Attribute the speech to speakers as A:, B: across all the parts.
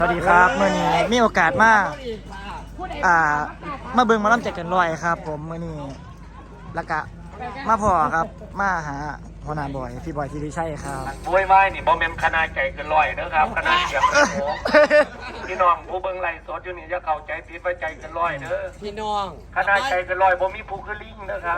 A: สวัสดีครับเมื่อนี้มีโอกาสมามาเบิ่งหมาล่ำใจเกินร้อยครับผมเมื่อนี้แล้วก็มาพอครับมาหาหัวหน้าบอยพี่บอยที่ได้ใช่ครับ
B: โวยไม้นี่บอมเมนคณะใจเกินร้อยนะครับคณะเสียงโอ้โหพี่น้องผู้เบิ่งไล่สดอยู่นี่จะเข้าใจผิดว่าใจเกินร้อยเด้อ
C: พี่น้อง
B: คณะใจเกินร้อยบ่มีผู้คือลิงนะครับ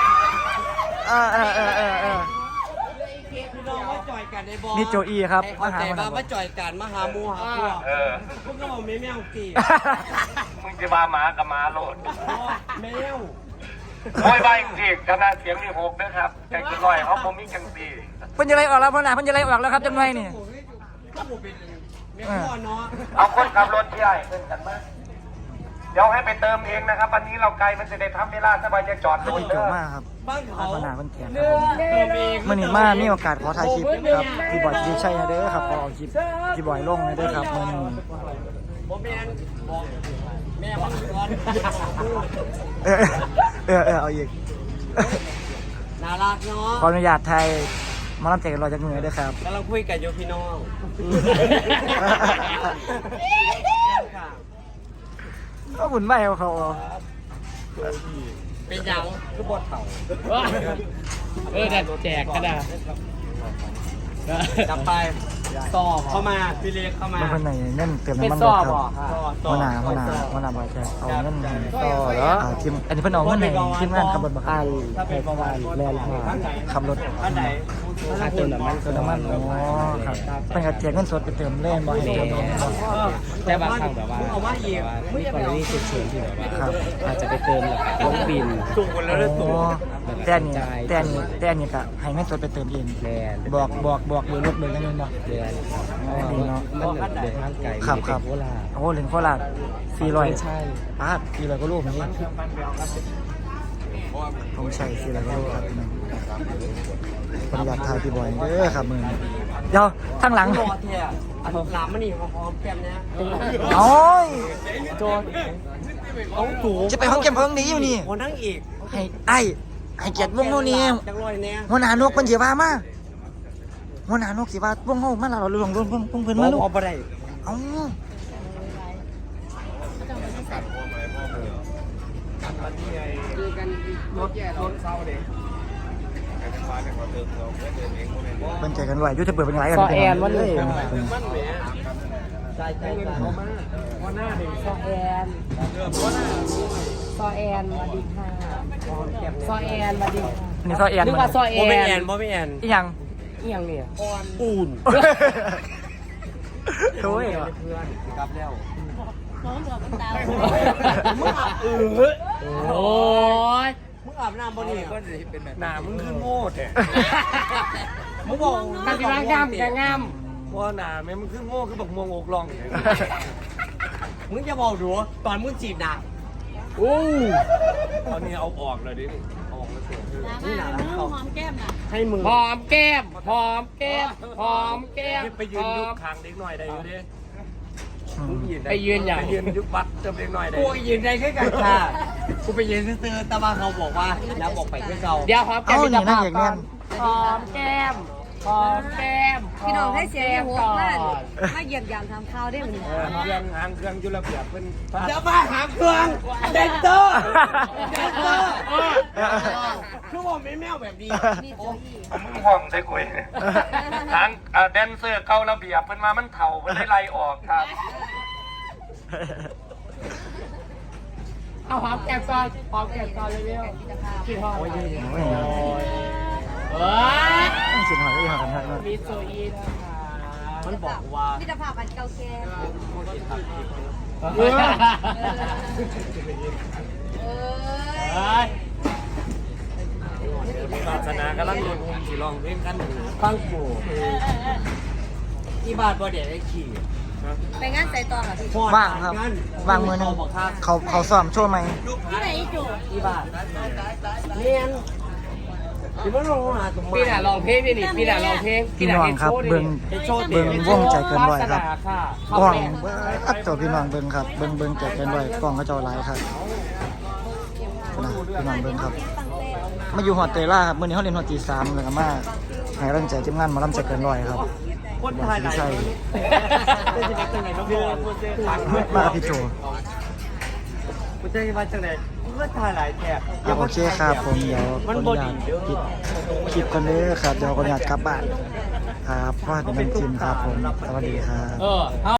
C: พี่น้องมาจ่อยกันในบอ
A: นี่โจอี้ครับ
C: มาหามาจ่อยกันมาหาหมูหาพวก พวกก็บอกแมวตี
B: มึงจะมาหมากับหมาโลด
C: แมว
B: โวยไม้สิคณะเสียงนี่หกนะครับใจเกินร้อยเขาบ่มีจังซี่
A: เพิ่นจะไล่ออกแล้วพ่อหน้าเพิ่นจะไล่ออกแล้วครับจังไรนี่
C: ก็บอกเป็นแมวพ่อเนาะ
B: เอาคนขับรถที่ใหญ่เพิ่นกันมาเดี๋ยวให้ไปเติมเองนะครับวันนี้เราไกลมันจะได้ทำเวลาสบายจะจอดรถ
A: พี่
B: เด้
A: โจ
B: อ
A: มากครับ
C: บ้านเขา
A: หัวหน้าเพิ่นแขกครับผม
C: เติมเอง
A: เมื่อนี้มามีโอกาสขอถ่ายคลิปครับพี่บอยที่ได้ใช่เด้อครับขอเอาคลิปพี่บอยลงเลยเด้อครับเมื่อนี้
C: ผมแมนบอกแม่บ้านก่อน
A: เอาอีก
C: น่ารักเนาะ
A: ขออนุญาตไทยหมาล่ำใจเกินร้อยจากมือเด้อครับ
C: กำลังคุยกันอยู่พี่น้อง
A: ก็หมุนไปเอาเขา
C: เป็นยังคือบทเขา
D: แต่แจกก็ได้
C: จับไปสอบเข้ามาพี่เล็กเข้ามา
A: บางคนไหนเงินเติม
D: เป็น
A: น้ำมัน
D: ซ
A: ร
D: อ
A: ถ
D: บ
A: ครับ
D: อกค่ะ
A: หัวหน้าบอยแกเอาเงินให้
D: ต่อแล้ว
A: ทีมอันนี้เพิ่นเอาเงินให้ทีมงานขับรถบักอัน
C: ถ้าเป็นประมาณ
D: แลนด์ค่ะ
A: ขับรถ
C: ท่านไหน
D: ค่าเติมน้ำมัน
A: เติมน้ำมันอ๋อครับเป็นกระเจียเงินสดไปเติมเล่นบ่ให้เติมน้ำมันบ่
D: แต่บางครั้งแบบว่า
C: เอาว่าอีก
D: มีกรณีฉุกเฉินที่แบบว่า
A: ครับ
D: อาจจะไปเติมแล้วก็ต้องบิน
C: จุกคนแล้วได้
A: โอ้
C: ตัว
A: แต่อันนี้ก็ให้เงินสดไปเติมเอง
D: แลนด์
A: บอกเบอร์รถเบอร์เงินบ่
D: แลนด์
A: ดีเนาะ
D: มันเดินทางไกล
A: ครับครับ
D: โคราช
A: โอ้เหรียญโคราช
D: ไม่
A: 400
D: ใช่
A: ป้าด400ก็รูปนี้ผมใช้400ก็รูปครับพี่น้องขออนุญาตถ่ายพี่บอยเด้อครับมือนี้เดี๋ยวข้างหลัง
C: รอแท้อันหลามมันนี่หอมแก้มนะ
A: โอ้ย
C: โจนเอาถู
A: จะไปห้องเก็บห้องนี้อยู่นี่
C: คนนั่งอีก
A: ให้เกียรติวงโน่นนี่
C: จังลอยแน่
A: หัวหน้านกเพิ่นสิว่ามาหัวหน้านกสิว่าวงเฮามาเราลงวงเพิ่นมาลูก
C: พอบ่ได้
A: เอ้า
C: รถเศร้าเด็ก
A: เพิ่นใจกันไหวอยู่จะเปิดเป็นไรกัน
D: ซอแอนวันนี้
C: มันแหมใจเขามากว่าหน้าเด็ก
D: ซอแอนสวัสดีค่ะซอแอนสวัสดีค่ะ
A: นี่ซอแอน
D: นึกว่าซอแอ
C: บ่ไม่แอน
D: น
C: บ่ไม่แอน
A: อีหยัง
D: อีหยังเนี่ย
C: อุ่น
A: โอ้ย
C: กลับแล้ว
D: โอ้ย
C: มึงอาบน้ำบ่นี่ก็จะเป็นแบบหน้ามึงคือโง่แท้
D: มึงบอกกันสิว่างามกันงาม
C: ว่าหน้าแม่มึงคือโง่คือบักม่วงอกลองมึงจะบอกดูตอนมึงจีบหน้า
D: โอ้
C: ตอนนี้เอาออกเลยดิเอาออกแล้วเสียนี่หนา
E: หอมแก้มน่ะ
C: ให้มือ
D: หอมแก้มหอมแก้มหอมแก้ม
C: ไปยืนยุบคางเด็กหน่อยได้อยู่ดิ
D: ไปยืนอย่าง
C: ไปยืนยุบบัตรเติมเด็กหน่อยได้
D: กูยืนได้แค่กันค่ะ
C: กูไปยืนซื้อแต่ว่าเขาบอกว่าแล้วบอกไปที่เขา
D: เดี๋ยวหอมแก้
A: เอ้าม นี่
D: จะ
A: นั่
D: พาง
A: อย่าง
D: ก่
A: นี้
D: อนหอมแก้มหอมแก้ม
E: พี่น้องให้เสียงหัว
D: ก่อ
E: มาน มาเหยียบยามทำข้าวได้เหมือนกัน
C: เครื่องหางเครื่องยุระเบียบเป็นเดี๋ยวมาหางเครื่องเดนเตอร์เดนเตอร์คือผมไม่แมวแบบนี้
E: มีโจอี้
B: มึงห่วงใส่กุยเนี่ยทางแดนเซอร์เก่าระเบียบเพิ่นมามันเถ่าเพิ่นได้ไล่ออกครับ
D: เอาหอมแก้มก่อนหอมแก้มก่อนเร็วๆกินหอม
A: โอ้ย
D: เฮ้ย
A: สิหอยก็อีหอยกันทักเนาะ
D: มีโซอีนะคะ
C: มันบอกว่า
E: มิตรภาพอันเก่าแก่
D: เฮ้ย
E: เอ้
D: เฮ้
E: ย
D: ย
C: ศาสนากำลังโดนอุ้มสิลองเพลงกันอยู่
D: ฟังกู
C: ที่บ้านบ่เดี๋ยวได้ขี่
E: ไปงานใส่ตองอ่ะพี่
A: ว่างครับว่างมือหนึงเขาซ้อมโชว์ไหม
E: ที่ไหนอีจู
C: ที่บ้านเรียนที่มันลงหาตรง
D: พี่น่ะลองเพลงนี่พี่น่ะลองเพลง
A: พี่น้องครับเบิ่งวงใจเกินร้อยครับ
D: ค่ะ
A: กล้องอัดตัวพี่น้องเบิ่งครับเบิ่งใจเกินร้อยกล้องเขาเจ้าหลายครับนะพี่น้องเบิ่งครับ มาอยู่หอดเตยล่าครับมื้อนี้เขาเรียนหอดตี3แล้วก็มาให้กำลังใจทีมงานหมาลำใจเกินร้อยครับ
C: คนถ่ายหลาย
A: ใช่
C: จะเป็นจังไหนน้องบอล
A: มากับพี่โจ
C: กูจะมาจังไหนก็ถ่ายหลายแถบ
A: โอเคครับผมเดี๋ยวขออนุญาตปิดคลิปกันเลยครับเดี๋ยวขออนุญาตกลับบ้านครับพ่อเป็นน้ำจิ้มครับผมสวัสดีครับ